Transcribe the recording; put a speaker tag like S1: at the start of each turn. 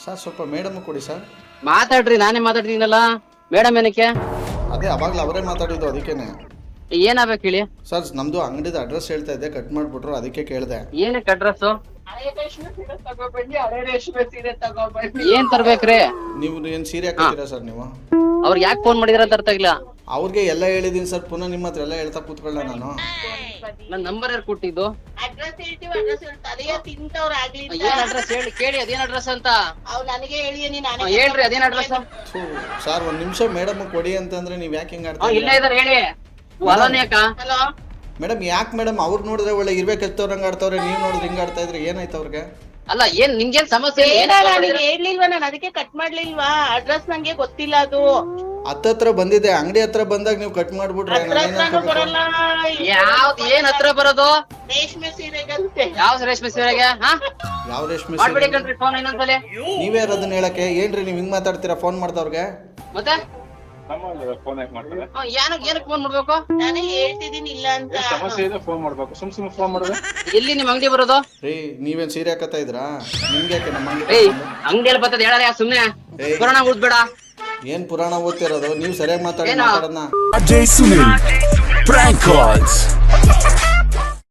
S1: Sir ಸ್ವಲ್ಪ madam ಕೊಡಿ sir.
S2: ಮಾತಾಡ್ರಿ, ನಾನೇ ಮಾತಾಡ್ತೀನಲ್ಲ. ಮೇಡಮ್ ಏನಕ್ಕೆ?
S1: ಅದೇ ಅವಾಗಲೇ ಅವರೇ ಮಾತಾಡಿದ್ದು, ಅದಕ್ಕೇನೆ.
S2: ಏನಾಗ್ಬೇಕು ಹೇಳಿ
S1: ಸರ್ ನಮ್ದು ಅಂಗಡಿದ ಅಡ್ರೆಸ್ ಹೇಳ್ತಾ ಇದ್ದೆ, ಕಟ್ ಮಾಡ್ಬಿಟ್ರು, ಅದಕ್ಕೆ ಕೇಳಿದೆ.
S2: ಏನಕ್ಕೆ ಅಡ್ರೆಸ್? ಏನ್ ತರ್ಬೇಕ್ರಿ?
S1: ನೀವು ಏನ್ ಸೀರೆ ಹಾಕಿದ್ದೀರಾ ಸರ್ ನೀವು?
S2: ಅವ್ರಿಗೆ ಯಾಕೆ ಫೋನ್ ಮಾಡಿದ್ರ ಅಂತ ಅರ್ಥ ಆಗಿಲ್ಲ.
S1: ಅವ್ರಿಗೆ ಎಲ್ಲ ಹೇಳಿದೀನಿ ಸರ್, ಪುನಃ ನಿಮ್ಮ ಹತ್ರ ಎಲ್ಲ ಹೇಳ್ತಾ ಕೂತ್ಕೊಳ್ಳ ನಾನು.
S2: ನನ್ನ ನಂಬರ್ ಯಾರು ಕೊಟ್ಟಿದ್ದು?
S3: ಅಡ್ರೆಸ್ ಹೇಳ್ತೀವಿ, ಅಡ್ರೆಸ್ ತಲೆಯ ತಿಂತವ್ರ ಆಗ್ಲಿ.
S2: ಏನ್ ಅಡ್ರೆಸ್ ಹೇಳಿ, ಕೇಳಿ ಅದೇನ್ ಅಡ್ರೆಸ್ ಅಂತ.
S3: ಅವ್ ನನಗೆ ಹೇಳಿ ನಾನು
S2: ಹೇಳ್ರಿ ಅದೇನ್ ಅಡ್ರೆಸ್.
S1: ಸರ್ ಒಂದ್ ನಿಮಿಷ ಮೇಡಮ್ ಕೊಡಿ ಅಂತಂದ್ರೆ ನೀವ್ ಯಾಕೆ ಹಿಂಗ್ ಆಡ್ತಾ
S2: ಇಲ್ಲ ಇದಾರೆ ಹೇಳಿ. ಅಲೋನ್ಯಾಕ?
S3: ಹಲೋ
S1: ಮೇಡಮ್ ಯಾಕೆ ಮೇಡಮ್? ಅವ್ರು ನೋಡಿದ್ರೆ ಒಳ್ಳೆ ಇರ್ಬೇಕಂತವ್ರಂಗ ಆಡ್ತವ್ರೆ, ನೀವ್ ನೋಡಿದ್ರೆ ಹಿಂಗ್ ಆಡ್ತಾ ಇದ್ರೆ ಏನಾಯ್ತು ಅವ್ರಿಗೆ?
S2: ಅಲ್ಲ ಏನ್ ನಿಮ್ಗೇನ್ ಸಮಸ್ಯೆ?
S3: ನನಗೆ ಹೇಳ್ಲಿಲ್ವಾ, ನಾನು ಅದಕ್ಕೆ ಕಟ್ ಮಾಡ್ಲಿಲ್ವಾ. ಅಡ್ರೆಸ್ ನಂಗೆ ಗೊತ್ತಿಲ್ಲ. ಅದು
S1: ಹತ್ರ ಬಂದಿದೆ, ಅಂಗಡಿ ಹತ್ರ ಬಂದಾಗ ನೀವು ಕಟ್ ಮಾಡ್ಬಿಟ್ರೆ
S3: ಅಡ್ರೆಸ್ ನಾನು ಬರಲ್ಲ.
S2: ಯಾವ್ದು ಏನ್ ಹತ್ರ ಬರೋದು?
S3: ರೇಷ್ಮೆ ಸೀರೆಗಂತೆ.
S2: ಯಾವ ರೇಷ್ಮೆ ಸೀರೆಗೆ?
S1: ಯಾವ ರೇಷ್ಮೆ
S2: ಮಾಡ್ಬಿಡಿ ಕಣ್ರಿ ಫೋನ್ ಇನ್ನೊಂದ್ಸಲಿ.
S1: ನೀವೇ ಅದನ್ನ ಹೇಳಕ್ಕೆ ಏನ್ರಿ ನೀವ್ ಹಿಂಗ್ ಮಾತಾಡ್ತೀರಾ ಫೋನ್ ಮಾಡ್ದವ್ರಿಗೆ?
S2: ಮತ್ತೆ ಏನಕ್ಕೆ ಫೋನ್ ಮಾಡ್ಬೇಕು?
S3: ನಾನೇ ಹೇಳ್ತಿದ್ದೀನಿ ಇಲ್ಲ ಅಂತ.
S4: ಸಮಸ್ಯೆ ಇದೆ, ಫೋನ್ ಮಾಡ್ಬೇಕು. ಸುಮ್ ಫೋನ್ ಮಾಡಿದ್ರೆ
S2: ಎಲ್ಲಿ ನಿಮ್ ಅಂಗಡಿ ಬರೋದು?
S1: ರೀ ನೀವೇನ್ ಸೀರೆ ಹಾಕತ್ತಾ ಇದ್ರಾ? ನಿಮ್ಗೆ ಯಾಕೆ ನಮ್ಮ ಅಂಗಡಿ?
S2: ಅಂಗಡಿಯಲ್ಲಿ ಬರ್ತದ ಹೇಳಲ್ಲ ಸುಮ್ನೆ.
S1: ಏಯ್.
S2: ಪುರಾಣ ಉದ್ಬೇಡ.
S1: ಏನ್ ಪುರಾಣ ಓದ್ತಿರೋದು? ನೀವು ಸರಿಯಾಗಿ ಮಾತಾಡಿ.
S2: ಏನು?
S1: ಮಾತಾಡೋಣ.
S5: Ajay Sunil, prank calls.